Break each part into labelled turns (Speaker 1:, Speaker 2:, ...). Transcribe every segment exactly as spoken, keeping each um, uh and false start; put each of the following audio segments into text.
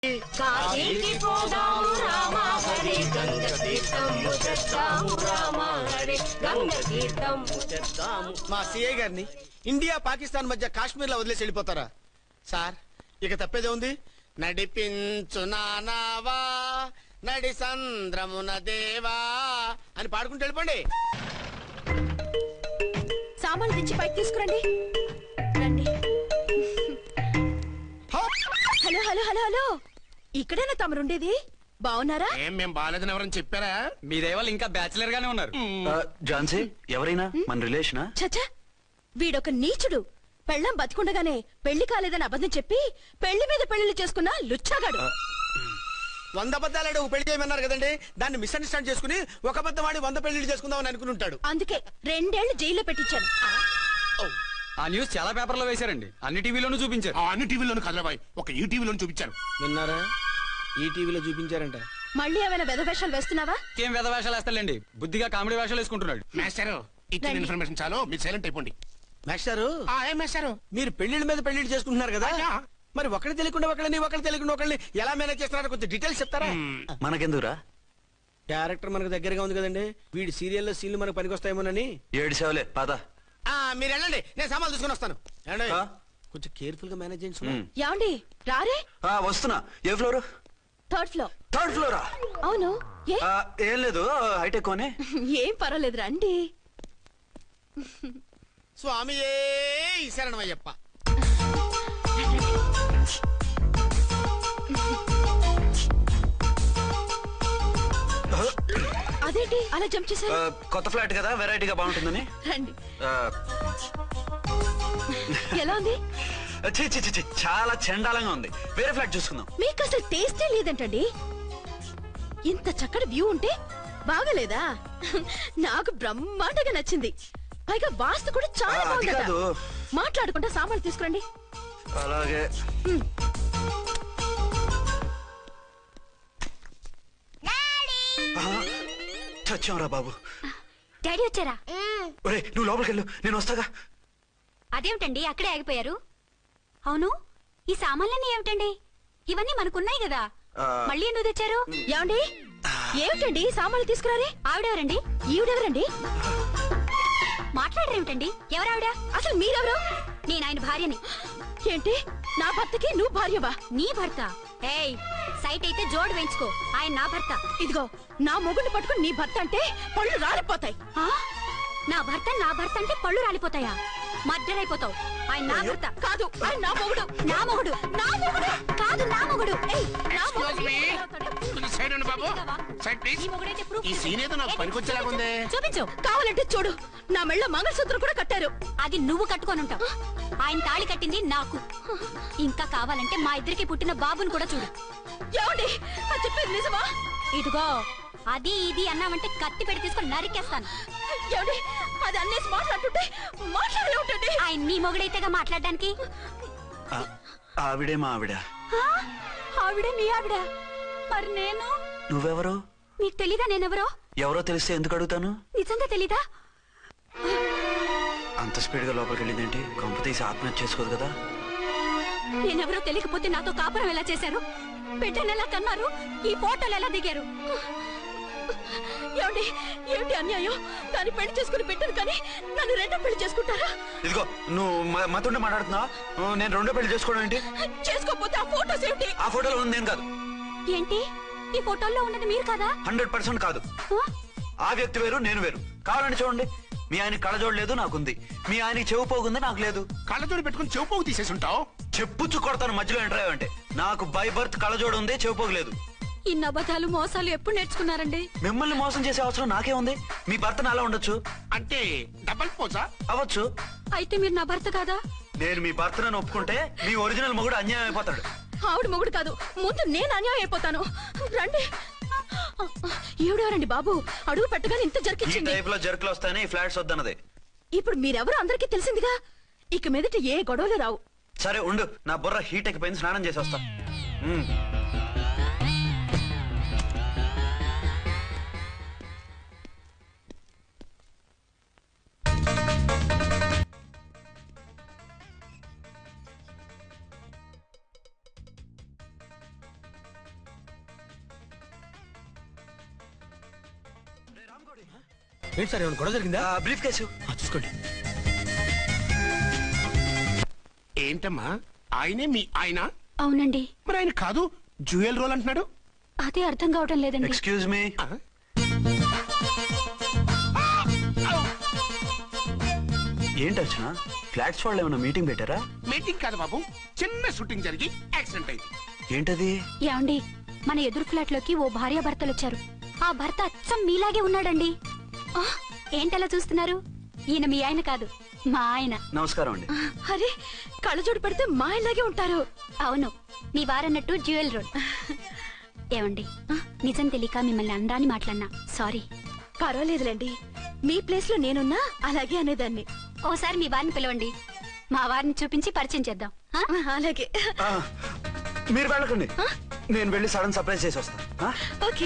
Speaker 1: కాశీకి పోదాము రామా హరి గంగ తీర్థము తెద్దాము రామా హరి గంగ తీర్థము తెద్దాము.
Speaker 2: మా సిఐ గారిని ఇండియా పాకిస్తాన్ మధ్య కాశ్మీర్ లో వదిలేసి వెళ్ళిపోతారా సార్? ఇక తప్పేదే ఉంది. నడిపించు నానావా నడి సంద్రమున దేవా అని పాడుకుంటూ వెళ్ళిపోండి.
Speaker 3: సామాన్లు తెచ్చి పైకి తీసుకురండి. రండి. హలో హలో హలో హలో ఇక్కడేనా తమరుండేది? బాగున్నారా?
Speaker 2: ఏం మేము బాగాలేదని ఎవరని చెప్పారా?
Speaker 4: మీ దేవాళ్ళు ఇంకా బ్యాచిలర్ గానే ఉన్నారు.
Speaker 5: ఝాన్సీ ఎవరైనా మన రిలేషనా?
Speaker 3: చచ్చా, వీడొక నీచుడు. పెళ్ళం బతికుండగానే పెళ్లి కాలేదని అబద్ధం చెప్పి పెళ్లి మీద పెళ్లిళ్ళు చేసుకున్న లుచ్చాగాడు.
Speaker 2: వంద అబద్ధాలు ఒక పెళ్లి చేయమన్నారు కదండి, దాన్ని మిస్అండర్స్టాండ్ చేసుకుని ఒక అబద్ధం ఆడి వంద పెళ్లిళ్ళు చేసుకుందామని అనుకుని ఉంటాడు.
Speaker 3: అందుకే రెండేళ్లు జైల్లో పెట్టించాను.
Speaker 4: ఆ న్యూస్ చాలా పేపర్లో వేశారండి, అన్ని టీవీలోనూ చూపించారు.
Speaker 6: అన్ని టీవీలోను కదలబాయ్, ఒక ఈ టీవీలోను చూపించారు.
Speaker 2: విన్నారా? ఈ టీవీలో చూపించారంట.
Speaker 3: మళ్ళీ ఏమైనా వెధవేషాలు వేస్తున్నావా?
Speaker 4: ఏం వెధ వేషాలు వేస్తాడండి, బుద్ధిగా కామెడీ వేషాలు వేసుకుంటున్నాడు.
Speaker 6: మాస్టారు ఇచ్చిన ఇన్ఫర్మేషన్ చాలు, మీరు సైలెంట్ అయిపోండి.
Speaker 2: మాస్టారు,
Speaker 6: ఏం మాస్టారు?
Speaker 2: మీరు పెళ్లిళ్ళ మీద పెళ్లిళ్ళు చేసుకుంటున్నారు కదా, మరి ఒకటి తెలియకుండా ఒకళ్ళని ఒకళ్ళు తెలియకుండా ఒకళ్ళని ఎలా మేనేజ్ చేస్తున్నారో కొంచెం డీటెయిల్స్ చెప్తారా?
Speaker 5: మనకెందుకురా?
Speaker 2: క్యారెక్టర్ మనకు దగ్గరగా ఉంది కదండి, వీడి సీరియల్లో సీన్లు మనకు పనికొస్తాయేమోనని.
Speaker 5: ఏడు సేవలే పద.
Speaker 2: మీరు వెళ్ళండి, నేను సామాన్లు తీసుకుని వస్తాను. కొంచెం కేర్ఫుల్ గా మేనేజ్ చేయండి.
Speaker 3: ఏమండి రారే?
Speaker 5: వస్తున్నా. ఏ ఫ్లోర్?
Speaker 3: Third floor.
Speaker 5: థర్డ్ ఫ్లోరా?
Speaker 3: అవును. ఏ
Speaker 5: ఏం లేదు, హైటెక్ కోనే.
Speaker 3: ఏం పర్వాలేదు రండి.
Speaker 2: స్వామి శరణమయ్యప్ప.
Speaker 3: అదేంటి అలా జంప్ చేశారు?
Speaker 5: కొత్త ఫ్లాట్ కదా, వెరైటీగా బాగుంటుందని.
Speaker 3: రండి. ఎలా ఉంది?
Speaker 5: ఛీ, ఛీ, ఛీ, ఛీ, చాలా చండాలంగా ఉంది. వేరే ఫ్లాట్ చూసుకుందాం.
Speaker 3: మీకు అసలు టేస్టే లేదంటండి. ఇంత చక్కటి వ్యూ ఉంటే బాగలేదా? నాకు బ్రహ్మాండంగా నచ్చింది. పైగా వాస్తు కూడా చాలా బాగుంది. మాట్లాడుకుంటా సామాన్లు తీసుకురండి.
Speaker 5: అలాగే. చచ్చాంరా బాబు.
Speaker 7: డాడీ వచ్చారా?
Speaker 5: ఒరే నువ్వు లోపలికి వెళ్ళు, నేను వస్తాగా.
Speaker 7: అదేమిటండి అక్కడే ఆగిపోయారు? అవును, ఈ సామాన్లన్నీ ఏమిటండి? ఇవన్నీ మనకున్నాయి కదా, మళ్ళీ ఎందుకు తెచ్చారు?
Speaker 3: ఏమండి ఏమిటండి సామాన్లు తీసుకురారే?
Speaker 7: ఆవిడెవరండి?
Speaker 3: ఈవిడెవరండి?
Speaker 7: మాట్లాడరేమిటండి? ఎవరావిడ?
Speaker 3: అసలు మీరెవరు?
Speaker 7: నేను ఆయన భార్యని.
Speaker 3: ఏంటి నా భర్తకి నువ్వు భార్యవా?
Speaker 7: నీ భర్త? ఏయ్, సైట్ అయితే జోడు వేయించుకో, ఆయన నా భర్త.
Speaker 3: ఇదిగో నా మొగుడిని పట్టుకుని నీ భర్త అంటే పళ్ళు రాలిపోతాయి.
Speaker 7: నా భర్త నా భర్త అంటే పళ్ళు రాలిపోతాయా? మర్డర్ అయిపోతావు. ఆయన నా భర్త
Speaker 3: కాదు, ఆయన నా మొగుడు.
Speaker 7: నా మొగుడు నా మొగుడు కాదు, నా మొగుడు. ఏయ్, నా మొగుడు.
Speaker 6: సైడ్ ఉండు బాబు, సైడ్ ప్లీజ్. ఈ సీన్ ఏదో నాకు పనికొచ్చేలాగుంది.
Speaker 7: చూపించు.
Speaker 3: కావాలంటే చూడు, నా మెళ్ళ మంగళసూత్రం కూడా కట్టారు.
Speaker 7: అది నువ్వు కట్టుకొని ఉంటావు, ఆయన తాళి కట్టింది నాకు. ఇంకా కావాలంటే మా ఇద్దరికి పుట్టిన బాబుని కూడా చూడు.
Speaker 3: ఏమండి అది చెప్పేది నిజమా?
Speaker 7: ఇదిగో అది ఇది అన్నావంటే కత్తి పెట్టి తీసుకొని నరికేస్తాను.
Speaker 3: ఏమండి అది అన్నేసి మాట్లాడుతుంటే మాట్లాడే ఉంటుంది.
Speaker 7: ఆయన నీ మొగుడైతేగా మాట్లాడడానికి.
Speaker 5: ఆవిడే మా ఆవిడ.
Speaker 7: ఆవిడే మీ ఆవిడ? మరి నేను?
Speaker 5: నువ్వెవరో
Speaker 7: నీకు తెలీదా నేనెవరో?
Speaker 5: ఎవరో తెలిస్తే ఎందుకు అడుగుతాను?
Speaker 7: నిజంగా తెలీదా?
Speaker 5: అంత స్పీడ్ గా లోపలికి వెళ్ళిందేంటి? కొంప తీసి ఆత్మహత్య చేసుకోదు కదా?
Speaker 7: నేనెవరో తెలియకపోతే నాతో కాపురం ఎలా చేశారు? బిడ్డను ఎలా కన్నారు? ఈ ఫోటోలు ఎలా దిగారు?
Speaker 3: ఏమండి ఏమిటి అన్యాయం? దాన్ని పెళ్లి చేసుకుని పెట్టాను కానీ నన్ను రెండో పెళ్లి చేసుకుంటారా?
Speaker 5: ఇదిగో నువ్వు మతుండే మాట్లాడుతున్నా. నేను రెండో పెళ్లి చేసుకోవడం ఏంటి?
Speaker 3: చేసుకోకపోతే ఆ ఫోటోస్ ఏమిటి?
Speaker 5: ఆ ఫోటోలో ఉంది నేను కాదు.
Speaker 7: ఏంటి ఈ ఫోటోల్లో ఉన్నది మీరు కదా?
Speaker 5: హండ్రెడ్ పర్సెంట్ కాదు. ఆ వ్యక్తి వేరు, నేను వేరు. కావాలని చూడండి. మీ ఆయన కళ్ళజోడు లేదు, నాకుంది. మీ ఆయనకి చెవు పోగుంది, నాకు లేదు.
Speaker 6: కళ్ళజోడు పెట్టుకుని చెవు పోగు తీసేసి ఉంటావు.
Speaker 5: చెప్పుచ్చు కొడతాను మధ్యలో ఎంటర్ అంటే. నాకు బై బర్త్ కళ్ళజోడు ఉంది, చెవు పోగు లేదు.
Speaker 7: ఇన్ని అబద్ధాలు మోసాలు ఎప్పుడు నేర్చుకున్నారండి?
Speaker 5: మిమ్మల్ని మోసం చేసే అవసరం నాకే ఉంది. మీ భర్తను అలా ఉండొచ్చు.
Speaker 6: అంటే డబల్ పోసా?
Speaker 5: అవ్వచ్చు.
Speaker 7: అయితే మీరు నా భర్త కాదా?
Speaker 5: నేను మీ భర్తను ఒప్పుకుంటే మీ ఒరిజినల్ మొగుడు అన్యాయం అయిపోతాడు.
Speaker 3: ఆవిడ మొగుడు కాదు, ముందు నేను అన్యాయం అయిపోతాను. రండి. ఈవిడెవరండి బాబు? అడుగు పెట్టగానే ఇంత
Speaker 5: ఈ
Speaker 3: జరికించింది.
Speaker 5: టైప్ లో జర్కులు వస్తాయని ఫ్లాట్స్ వద్దన్నది.
Speaker 3: ఇప్పుడు మీరెవరో అందరికీ తెలిసిందిగా, ఇక మీదట ఏ గొడవలు రావు.
Speaker 5: సరే ఉండు, నా బుర్ర హీట్ ఎక్కిపోయింది, స్నానం చేసి వస్తా.
Speaker 2: ఏంటి సార్ ఏమైనా గొడవ జరిగిందా?
Speaker 5: బ్రీఫ్ కేసు
Speaker 2: చూసుకోండి.
Speaker 6: ఏంటమ్మా ఆయనే మీ ఆయన?
Speaker 7: అవునండి.
Speaker 6: మరి ఆయన కాదు జ్యూయల్ రోల్ అంటున్నాడు.
Speaker 7: అదే అర్థం కావటం లేదండి.
Speaker 5: Excuse me. ఏంటి వచ్చిన ఫ్లాట్స్ వాళ్ళు ఏమైనా మీటింగ్ పెట్టారా?
Speaker 6: మీటింగ్ కాదు బాబు, చిన్న షూటింగ్ జరిగి యాక్సిడెంట్ అయింది.
Speaker 5: ఏంటది?
Speaker 7: ఏమండి, మన ఎదురు ఫ్లాట్ లోకి ఓ భార్య భర్తలు వచ్చారు. ఆ భర్త అచ్చం మీలాగే ఉన్నాడండి. ఆ, ఏంటలా చూస్తున్నారు? ఈయన మీ ఆయన కాదు, మా ఆయన.
Speaker 5: నమస్కారం అండి.
Speaker 3: అరే కళ్ళజోడు పెడితే మా ఇలాగే ఉంటారు.
Speaker 7: అవును, మీ వారన్నట్టు జ్యువెల్ రోడ్. ఏమండి, నిజం తెలియక మిమ్మల్ని అందాన్ని మాట్లాడినా సారీ.
Speaker 3: పర్వాలేదులేండి, మీ ప్లేస్ లో నేనున్నా అలాగే అనేదాన్ని.
Speaker 7: ఓసారి మీ వారిని పిలవండి, మా వారిని చూపించి పరిచయం చేద్దాం. ఆ?
Speaker 3: అలాగే.
Speaker 5: ఆ, మీరు వెళ్ళకండి, నేను వెళ్ళి సడన్ సర్ప్రైజ్ చేసి వస్తాను.
Speaker 3: ఓకే.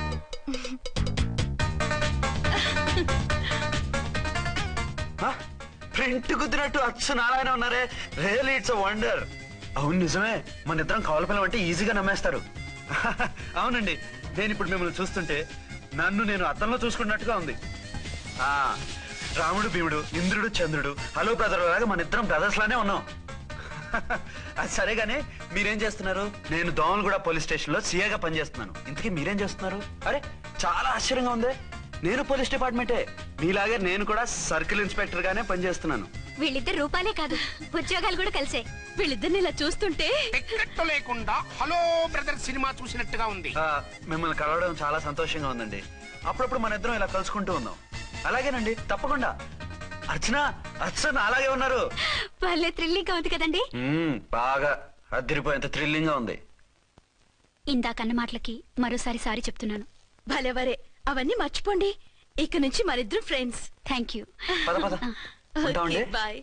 Speaker 5: ప్రింట్ కుదిరినట్టు అచ్చు నారాయణ ఉన్నారే, రియల్లీ ఇట్స్ వండర్. అవును నిజమే, మన ఇద్దరం కవల పిల్లం అంటే ఈజీగా నమ్మేస్తారు. అవునండి, నేను ఇప్పుడు మిమ్మల్ని చూస్తుంటే నన్ను నేను అద్దంలో చూసుకున్నట్టుగా ఉంది. ఆ రాముడు భీముడు, ఇంద్రుడు చంద్రుడు, హలో బ్రదర్ లాగా మన ఇద్దరం బ్రదర్స్ లానే ఉన్నాం. అది సరేగానే మీరేం చేస్తున్నారు? నేను దోమలగూడ పోలీస్ స్టేషన్ లో సీఏగా పనిచేస్తున్నాను. ఇంతకీ మీరేం చేస్తున్నారు? అరే చాలా ఆశ్చర్యంగా ఉంది, నేను పోలీస్ డిపార్ట్మెంటే, మీలాగే నేను కూడా సర్కిల్ ఇన్స్పెక్టర్ గానే పనిచేస్తున్నాను.
Speaker 7: వీళ్ళిద్దరు రూపాలే కాదు, ఉద్యోగాలు కూడా కలిసే.
Speaker 3: వీళ్ళిద్దరిని ఇలా చూస్తుంటే
Speaker 6: టికెట్ లేకుండా హలో బ్రదర్ సినిమా చూసినట్టుగా ఉంది.
Speaker 5: ఆ, మిమ్మల్ని కలవడం చాలా సంతోషంగా ఉందండి. అప్పుడప్పుడు మన ఇద్దరం ఇలా కలుసుకుంటూ ఉందాం. అలాగేనండి, తప్పకుండా. అర్చన అర్చన అలాగే ఉన్నారు.
Speaker 7: వాళ్ళే థ్రిల్లింగ్ గా ఉంది కదండి.
Speaker 5: మ్మ్, బాగా అద్దరిపోయేంత థ్రిల్లింగ్ గా ఉంది.
Speaker 7: ఇందాకన్న మాటలకి మరోసారి సారీ చెప్తున్నాను.
Speaker 3: భలేవరే, అవన్నీ మర్చిపోండి. ఇక నుంచి మరిద్దరం ఫ్రెండ్స్.
Speaker 7: Thank you.
Speaker 5: పద పద ఉంటామండి.
Speaker 3: బాయ్.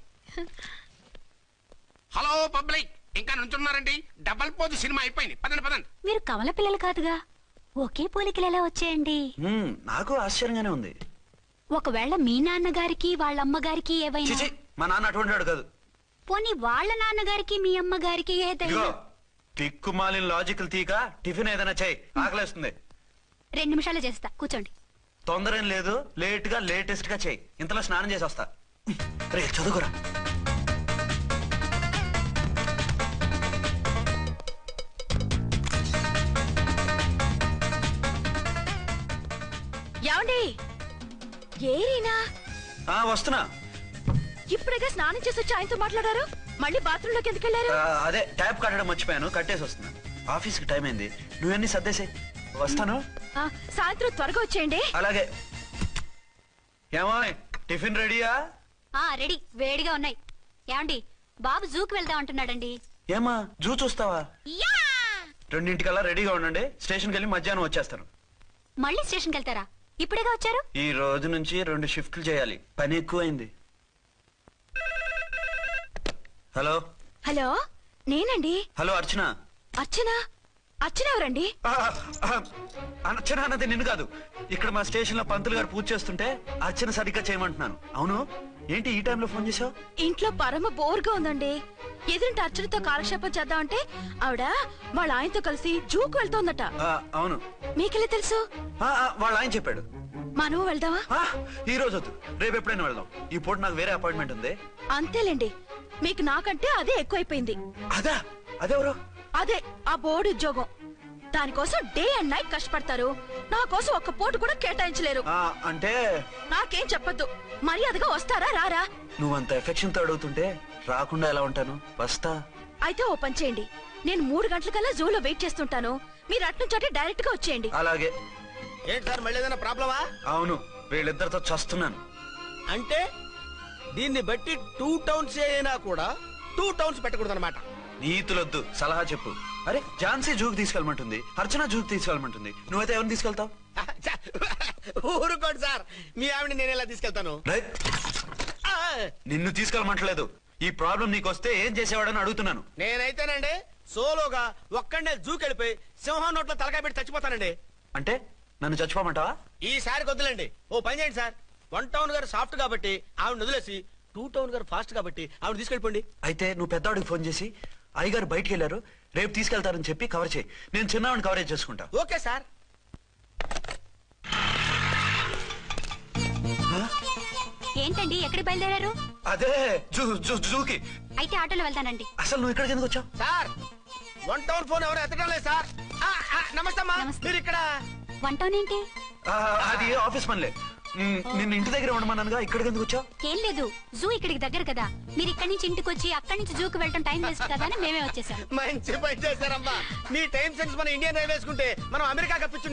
Speaker 6: హలో పబ్లిక్, ఇంకా నుంచున్నారండి? డబల్ పోజ్ సినిమా అయిపోయింది, పదండి పదండి.
Speaker 7: మీరు కమల పిల్లలు కాదుగా, ఒకే పోలికలు ఎలా వచ్చాయండి?
Speaker 5: మ్మ్, నాకు ఆశ్చర్యంగానే ఉంది.
Speaker 7: ఒకవేళ మీ నాన్నగారికి వాళ్ళ అమ్మగారికి ఏవైనా,
Speaker 5: చిచి, మా నాన్న అటువంటి వాడు కాదు.
Speaker 7: పోనీ వాళ్ళ నాన్నగారికి మీ అమ్మగారికి ఏదైనా.
Speaker 5: ఇదిగో తిక్కుమాలిన లాజికల్ తీక టిఫిన్ ఏదైనా చేయి, ఆకలేస్తుంది.
Speaker 7: రెండు నిమిషాలు చేస్తా, కూర్చోండి.
Speaker 5: తొందర ఏం లేదు, లేట్ గా లేటెస్ట్ గా చేయి. ఇంతలో స్నానం చేసి వస్తా. రే చదువుకురా.
Speaker 3: ఏమండి, ఏరీనా
Speaker 5: ఆ వస్తున్నా.
Speaker 3: ఇప్పుడేగా స్నానం చేసి వచ్చి ఆయనతో మాట్లాడారు, మళ్ళీ బాత్రూమ్ లోకి ఎందుకు వెళ్ళారు?
Speaker 5: ఆ, అదే ట్యాప్ కట్టడం మర్చిపోయాను, కట్టేసి వస్తున్నా. ఆఫీస్ కి టైం అయింది, నువ్వన్నీ సర్దేసే. వస్తాను.
Speaker 3: ఆ, సాయంత్రం త్వరగా వచ్చేయండి.
Speaker 5: అలాగే. ఏమో టిఫిన్ రెడీయా?
Speaker 7: ఆ రెడీ, వేడిగా ఉన్నాయి. ఏమండి, బాబు జూకి వెళ్దాం అంటున్నాడండి.
Speaker 5: ఏమా జూ చూస్తావా?
Speaker 7: యా!
Speaker 5: రెండింటికల్లా రెడీగా ఉండండి, స్టేషన్కి వెళ్ళి మధ్యాహ్నం వచ్చేస్తాను.
Speaker 7: మళ్ళీ స్టేషన్కి వెళ్తారా? ఇప్పుడేగా వచ్చారు.
Speaker 5: ఈ రోజు నుంచి రెండు షిఫ్ట్లు చేయాలి, పని ఎక్కువైంది. హలో
Speaker 3: హలో, నేనండి.
Speaker 5: హలో అర్చన.
Speaker 3: అర్చన? అర్చన ఎవరండి?
Speaker 5: ఆ, ఆ, అర్చన అన్నది నిన్ను కాదు. ఇక్కడ మా స్టేషన్ లో పంతులు గారు పూజ చేస్తుంటే అర్చన సరిగ్గా చేయమంటున్నాను. అవును, ఏంటి ఈ టైంలో ఫోన్ చేసావు?
Speaker 3: ఇంట్లో పరమ బోర్గా ఉందండి. ఎదురింటి అర్చనతో కాలక్షేపం చేద్దామంటే ఆవిడ వాళ్ళ ఆయనతో కలిసి జూకు వెళ్తోందట.
Speaker 5: ఆ, అవును.
Speaker 3: మీకెళ్ళి తెలుసు?
Speaker 5: ఆ, ఆ, వాళ్ళ ఆయన చెప్పాడు.
Speaker 3: మనము వెళ్దామా?
Speaker 5: ఆ, ఈ రోజు వద్దు, రేపు ఎప్పుడైనా వెళ్దాం. ఈ పూట నాకు వేరే అపాయింట్మెంట్ ఉంది.
Speaker 3: అంతేలేండి, మీకు నాకంటే అదే ఎక్కువైపోయింది.
Speaker 5: అదా? అదెవరు?
Speaker 3: అదే ఆ బోర్డు ఉద్యోగం. దానికోసం డే అండ్ నైట్ కష్టపడతారు, నా కోసం ఒక్క పోటు కూడా కేటాయించలేరు.
Speaker 5: ఆ, అంటే
Speaker 3: నాకేం చెప్పొద్దు, మర్యాదగా వస్తారా రారా?
Speaker 5: నువ్వంత ఎఫెక్షన్ తో అడుగుతుంటే రాకుండా ఎలా ఉంటాను? వస్తా.
Speaker 3: అయితే ఓ పని చేయండి, నేను మూడు గంటలకల్లా జూలో వెయిట్ చేస్తుంటాను, మీరు అట్నుంచి డైరెక్ట్ గా వచ్చేయండి.
Speaker 5: అలాగే.
Speaker 2: ఏంటి సార్, మళ్ళీ ఏదైనా ప్రాబ్లమా?
Speaker 5: అవును, వీళ్ళిద్దరితో చస్తున్నాను.
Speaker 2: అంటే దీన్ని బట్టి టూ టౌన్స్ అయినా కూడా టూ టౌన్స్ పెట్టకూడదు అనమాట.
Speaker 5: నీతులొద్దు, సలహా చెప్పు. అరే ఝాన్సీ జూకి తీసుకెళ్ళమంటుంది, అర్చన జూకి తీసుకెళ్ళమంటుంది, నువ్వైతే ఎవరిని తీసుకెళ్తావు?
Speaker 2: ఊరుకోండి సార్, మీ ఆవిడ నేను ఎలా తీసుకెళ్తాను?
Speaker 5: రేయ్, నిన్ను తీసుకెళ్ళమంటలేదు. ఈ ప్రాబ్లం నీకు వస్తే ఏం చేసేవాడని అడుగుతున్నాను.
Speaker 2: నేనైతేనండి సోలోగా ఒక్కడే జూకెళ్ళిపోయి సింహం నోట్లో తలకాయ పెట్టి చచ్చిపోతానండి.
Speaker 5: అంటే నన్ను చచ్చిపోమంటావా?
Speaker 2: ఈసారి వద్దులండి, ఓ పని చేయండి సార్. వన్ టౌన్ గారు సాఫ్ట్ కాబట్టి ఆవిడ వదిలేసి టూ టౌన్ గారు ఫాస్ట్ కాబట్టి ఆవిడ తీసుకెళ్ళిపోండి.
Speaker 5: అయితే నువ్వు పెద్దవాడికి ఫోన్ చేసి అయ్యగారు బయటికి వెళ్ళారు, రేపు తీసుకెళ్తారని చెప్పి కవర్ చేయి. నేను చిన్నవాడిని కవరేజ్ చేసుకుంటా.
Speaker 2: Okay sir.
Speaker 7: ఏంటండి ఎక్కడికి బయలుదేరారు?
Speaker 5: అదే జూ జూ జూకి.
Speaker 7: అయితే ఆటోలో వెళ్తానండి.
Speaker 5: అసలు నువ్వు ఇక్కడికి ఎందుకు వచ్చావు?
Speaker 2: సార్ వన్ టౌన్ ఫోన్ ఎవరు ఎత్తడం లేదు సార్. ఆ, ఆ, నమస్తే అమ్మా.
Speaker 7: నమస్తే.
Speaker 2: మీరు ఇక్కడ
Speaker 7: వన్ టౌన్ ఏంటి?
Speaker 5: ఆ, అది ఆఫీస్ పనిలే. మ్, నిన్ను ఇంటి దగ్గర ఉండమన్నానుగా, ఇక్కడికి ఎందుకు వచ్చావు?
Speaker 7: ఏం లేదు, జూ ఇక్కడికి దగ్గర కదా, మీరు ఇక్కడి నుంచి ఇంటికి వచ్చి అక్కడి నుంచి జూకి వెళ్ళటం టైం వేస్ట్ కదా అని మేమే వచ్చేసాం.
Speaker 2: మంచి పని చేశారమ్మా. మీ టైం సెన్స్ మన ఇండియన్ రైల్వేస్ కుంటే మనం అమెరికా కప్పించు